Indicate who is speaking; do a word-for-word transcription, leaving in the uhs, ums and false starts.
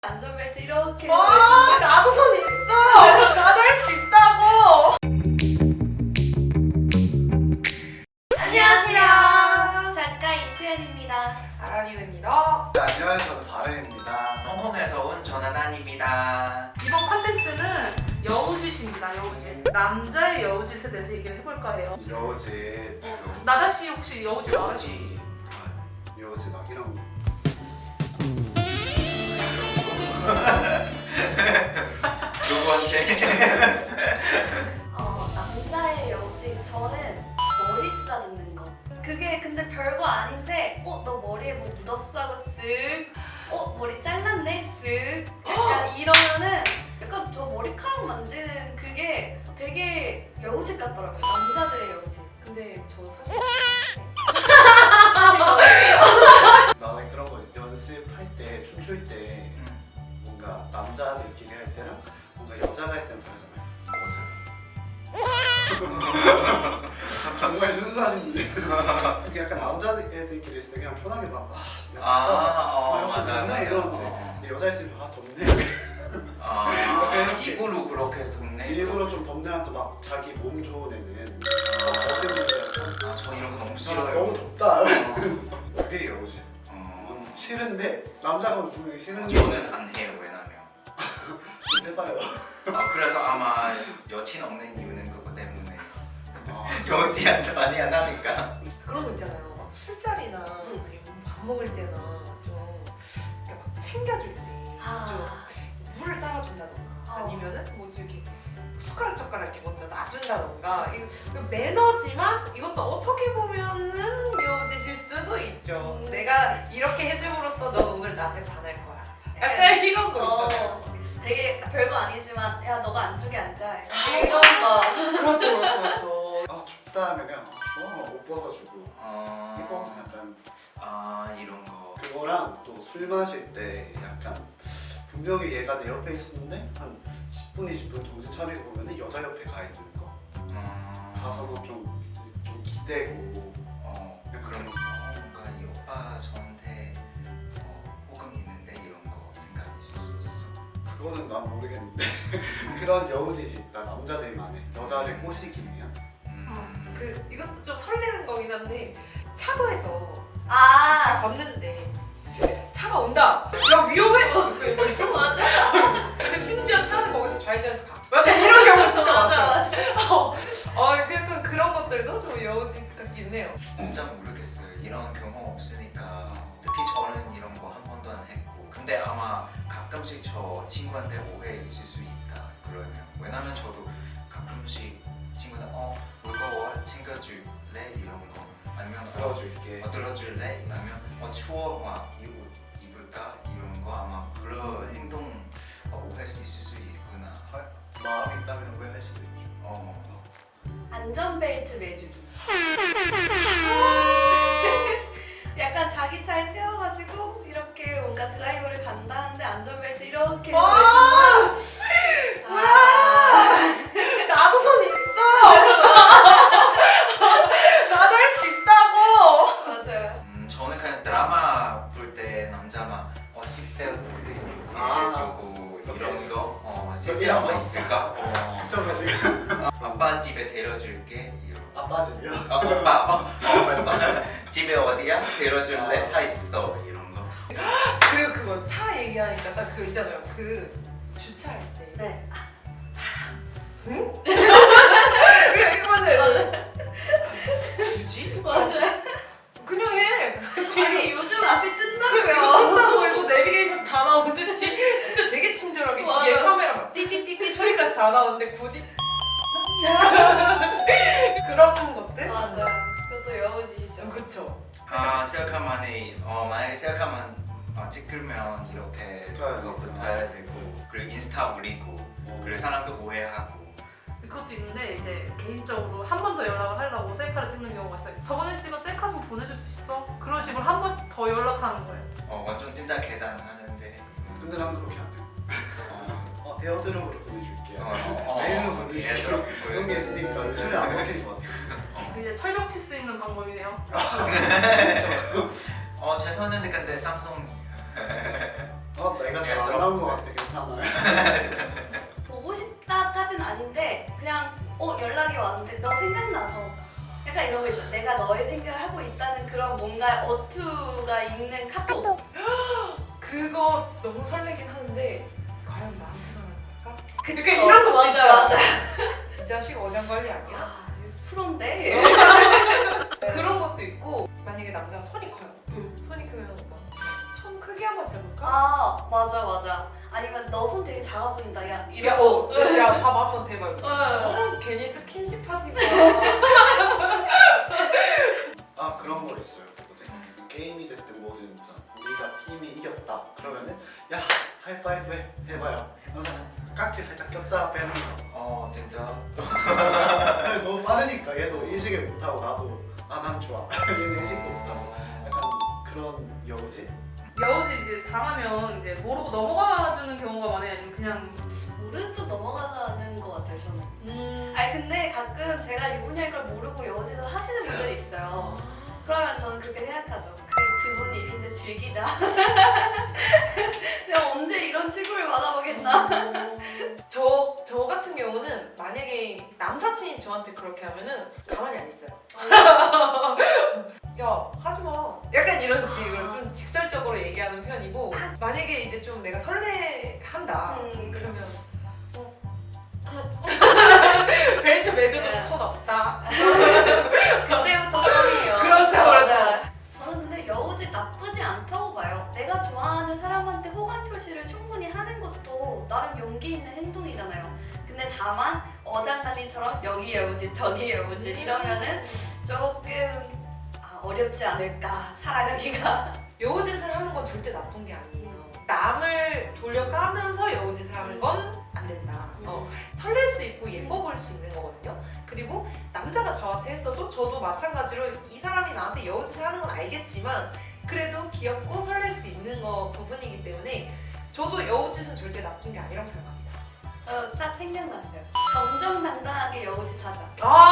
Speaker 1: 안전벨트 이렇게
Speaker 2: 와, 나도 손 있어. 나도 할 수 있다고.
Speaker 1: 안녕하세요. 작가 이수연입니다.
Speaker 2: 아라리오입니다.
Speaker 3: 네, 안녕하세요. 저는 바른입니다.
Speaker 4: 홍콩에서 온 조나단입니다.
Speaker 2: 이번 컨텐츠는 여우짓입니다. 여우짓. 남자의 여우짓에 대해서 얘기를 해볼까 해요.
Speaker 3: 여우짓,
Speaker 2: 나다 씨 혹시 여우짓 알아요?
Speaker 4: 뭐지?
Speaker 3: 여우짓 막 이런 거.
Speaker 4: 두 번째.
Speaker 1: 어, 남자의 여우짓 저는 머리 쓰다듬는 거. 그게 근데 별거 아닌데 어? 너 머리에 뭐 묻었어? 하고 쓱 어? 머리 잘랐네? 쓱 약간 이러면은 약간 저 머리카락 만지는 그게 되게 여우짓 같더라고요. 남자들의 여우짓. 근데 저 사실 사실 저는
Speaker 3: 나는 그런 거 연습할 때, 춤출 때 뭔가 남자들끼리 할 때랑 뭔가 여자가 있으면 다르잖아요. 정말 순수하신데 그게 약간 남자애들끼리 있을 때 그냥 편하게 막 아, 약간
Speaker 4: 아, 어,
Speaker 3: 아,
Speaker 4: 맞아,
Speaker 3: 덥네
Speaker 4: 맞아.
Speaker 3: 이러는데
Speaker 4: 어.
Speaker 3: 근데 여자 있으면 아 덥네
Speaker 4: 아, 입으로 그렇게 덥네.
Speaker 3: 일부러 좀 덥네하면서 막 자기 몸 좋은 애는 거짓말을
Speaker 4: 아, 저 이런 거 너무
Speaker 3: 아,
Speaker 4: 싫어요.
Speaker 3: 너무 덥다
Speaker 4: 어.
Speaker 3: 그게 여우짓
Speaker 4: 어.
Speaker 3: 싫은데 남자가 보기 싫은
Speaker 4: 저는 안 해요. 왜냐면
Speaker 3: 해봐요.
Speaker 4: 아, 그래서 아마 여친 없는 이유는 그거 때문에
Speaker 3: 아,
Speaker 4: 여지 안 많이 안 하니까.
Speaker 2: 그런 거 있잖아요. 막 술자리나 아니면 밥 먹을 때나 좀 이렇게 막 챙겨줄 때 좀
Speaker 1: 아,
Speaker 2: 물을 따라준다던가
Speaker 1: 어.
Speaker 2: 아니면은 뭐지 이렇게 숟가락 젓가락 이렇게 먼저 놔준다던가 이거 이거 매너지만 이것도 어떻게 보면은 여우짓일 수도 있죠.
Speaker 1: 음.
Speaker 2: 내가 이렇게 해줌으로써 넌 오늘 나한테 반할 거야. 약간 이런 거 있잖아요.
Speaker 1: 어, 되게 별거 아니지만 야 너가 안쪽에 앉아
Speaker 2: 아.
Speaker 1: 이런 거.
Speaker 2: 그렇죠, 그렇죠, 그렇죠.
Speaker 3: 아 춥다 하면 그냥 아, 좋아 옷 벗어주고
Speaker 4: 어.
Speaker 3: 이거 약간
Speaker 4: 아, 이런 거.
Speaker 3: 그거랑 또 술 마실 때 약간 분명히 얘가 내 옆에 있었는데 한 십 분, 이십 분 정신 차리고 보면 여자 옆에 가 있는 거
Speaker 4: 음.
Speaker 3: 가서도 좀, 좀 기대고
Speaker 4: 어,
Speaker 3: 약간
Speaker 4: 그런
Speaker 3: 그런
Speaker 4: 거. 뭔가 이 오빠 저한테 어, 호감 있는데 이런 거 생각 있을 수 있어.
Speaker 3: 그거는 난 모르겠는데 그런 여우짓이 있다 남자들만 해 여자를 꼬시기 위한
Speaker 4: 음.
Speaker 2: 그 이것도 좀 설레는 거긴 한데 차도에서 같이
Speaker 1: 아
Speaker 2: 걷는데 차가 온다. 야 위험해. 뭐 이렇게
Speaker 1: 맞아
Speaker 2: 근데 심지어 차는 거기서 좌회전해서 가. 약간 이런 경우 진짜
Speaker 1: 맞아
Speaker 2: 많았어요.
Speaker 1: 맞아.
Speaker 2: 어, 어, 약간 그런 것들도 좀 여우짓 같긴 해요.
Speaker 4: 진짜 모르겠어요. 이런 경험 없으니까 특히 저는 이런 거 한 번도 안 했고 근데 아마 가끔씩 저 친구한테 오해 있을 수 있다 그러면 왜냐면 저도 가끔씩 친구한테 어 무거워 챙겨줄래 이런 거 아니면
Speaker 3: 들어줄게
Speaker 4: 어, 들어줄래 아니면 어 추워 와이 옷 입을까 이런 거 아마 그런 행동 어, 오해할 수 있을 수 있구나.
Speaker 3: 마음이 있다면 오해할 수도 있죠
Speaker 4: 어.
Speaker 1: 안전벨트 매주기. 약간 자기 차에 세워가지고 이렇게 뭔가 드라이브를 간다는데 안전벨트 이렇게
Speaker 2: 와!
Speaker 1: 매주고. 아,
Speaker 2: 나도 손 있어. 나도 할 수 있다고.
Speaker 1: 맞아요.
Speaker 4: 음, 저는 그냥 드라마 볼 때 남자만 어 식대부터
Speaker 3: 아.
Speaker 4: 해주고 이런 거 어, 실제
Speaker 3: 이런
Speaker 4: 아마
Speaker 3: 거?
Speaker 4: 있을까? 어.
Speaker 3: 그쪽으로 지금
Speaker 4: 아빠 집에 데려줄게 이런.
Speaker 3: 아빠 집이요?
Speaker 4: 어, 오빠, 어, 어, 오빠 집에 어디야? 데려줄래?
Speaker 3: 아.
Speaker 4: 차 있어 이런 거.
Speaker 2: 그리고 그거 차 얘기하니까 딱 그거 있잖아요. 그 주차할 때.
Speaker 1: 네.
Speaker 2: 응? 그냥 이거는 굳이?
Speaker 1: 맞아요.
Speaker 2: 그냥 해.
Speaker 1: 아니 요즘 앞에
Speaker 2: 그거
Speaker 1: 뜬다고요.
Speaker 2: 뜬다고 이거 내비게이션 다 나오는데 뒤- 진짜 되게 친절하게
Speaker 1: 맞아요.
Speaker 2: 뒤에 카메라 막 띠띠띠띠 소리까지 다 나오는데 굳이? 그런 것들?
Speaker 1: 맞아요. 그것도 여우짓이죠.
Speaker 2: 그쵸.
Speaker 4: 아 셀카만이 어 만약에 셀카만 어, 찍으면 이렇게
Speaker 3: 붙어야
Speaker 4: 그거
Speaker 3: 되니까.
Speaker 4: 붙어야 되고 그리고 인스타 올리고 그리고 사람도 오해하고.
Speaker 2: 그것도 있는데 이제 개인적으로 한 번 더 연락을 하려고 셀카를 찍는 경우가 있어요. 저번에 찍은 셀카 좀 보내줄 수 있어? 그런 식으로 한 번 더 연락하는 거예요.
Speaker 4: 어 완전 진짜 계산하는데.
Speaker 3: 근데 난 그렇게 안 해요
Speaker 4: 어,
Speaker 3: 어, 에어드롭으로 보내줄게
Speaker 4: 어, 어,
Speaker 3: 메일로
Speaker 4: 어,
Speaker 3: 보내줄게
Speaker 4: 에어드롭
Speaker 3: 그런 게 있으니까 요즘에 안 먹히는 것 같아요
Speaker 2: 이제 철벽 칠 수 있는 방법이네요.
Speaker 4: 어 죄송한데 근데 삼성.
Speaker 3: 아 내가 잘 안
Speaker 4: 제가
Speaker 3: 나온 것
Speaker 4: 들어봤어요.
Speaker 3: 같아. 괜찮아요.
Speaker 1: 보고 싶다까진 아닌데 그냥 어 연락이 왔는데 너 생각나서 약간 이런 거 있죠. 내가 너의 생각을 하고 있다는 그런 뭔가 어투가 있는 카톡.
Speaker 2: 그거 너무 설레긴 하는데 과연 마음에 들어갈까?
Speaker 1: 그쵸?
Speaker 2: 그러니까 이런 거
Speaker 1: 맞아
Speaker 2: 있잖아.
Speaker 1: 맞아.
Speaker 2: 이 자식 어장관리 아니야?
Speaker 1: 아 프로인데.
Speaker 2: 그런 것도 있고 만약에 남자가 손이 커요.
Speaker 1: 응.
Speaker 2: 손이 크면 오빠 손 크기 한번 재볼까?
Speaker 1: 아 맞아 맞아. 아니면 너 손 되게 작아 보인다. 야
Speaker 2: 야,
Speaker 1: 이러고.
Speaker 2: 어, 야, 밥 한번 대봐. 이거.
Speaker 1: 응.
Speaker 2: 어, 괜히 스킨십 하지 마.
Speaker 3: 아 그런 거 있어요. 뭐지? 게임이 됐든 뭐든 진짜 우리가 팀이 이겼다 그러면은 야 하이파이브 해 해봐요. 그래서 깍지 살짝 꼈다 빼는 거.
Speaker 4: 어 진짜.
Speaker 3: 그래서 너무 빠르니까 얘도 인식을 못하고 나도 아 난 좋아. 얘는 인식도 못하고 약간 그런 여우지.
Speaker 2: 여우지 이제 당하면 이제 모르고 넘어가주는 경우가 많아요. 아니면 그냥
Speaker 1: 모른 척 넘어가는 것 같아요 저는.
Speaker 2: 음.
Speaker 1: 아니 근데 가끔 제가 유부녀인 걸 모르고 여우짓을 하시는 분들이 있어요. 그러면 저는 그렇게 생각하죠. 그래 두 분 일인데 즐기자. 내가 언제 이런 취급을 받아보겠나.
Speaker 2: 저, 저 같은 경우는 만약에 남사친이 저한테 그렇게 하면은 가만히 안 있어요. 야 하지 마. 약간 이런 식으로 좀 직설적으로 얘기하는 편이고 만약에 이제 좀 내가 설레한다.
Speaker 1: 음.
Speaker 2: 그러면 어. 벨트 매줘도 손 없다.
Speaker 1: 그때부터 썸이에요.
Speaker 2: 그렇죠,
Speaker 1: 맞아요. 저는 근데 여우짓 나쁘지 않다고 봐요. 내가 좋아하는 사람한테 호감 표시를 충분히 하는 것도 나름 용기 있는 행동이잖아요. 근데 다만 어장관리처럼 여기 여우짓 저기 여우짓 이러면은 조금 아, 어렵지 않을까 살아가기가.
Speaker 2: 여우짓을 하는 건 절대 나쁜 게 아니에요. 남을 돌려까면서 여우짓을 하는 건 안 된다. 어, 설렐 수 있고 예뻐 보일 수 있는 거거든요. 그리고 남자가 저한테 했어도 저도 마찬가지로 이 사람이 나한테 여우짓을 하는 건 알겠지만 그래도 귀엽고 설렐 수 있는 거 부분이기 때문에 저도 여우짓은 절대 나쁜 게 아니라고 생각합니다.
Speaker 1: 저 딱 생각났어요. 정정당당하게 여우짓 하자.
Speaker 2: 아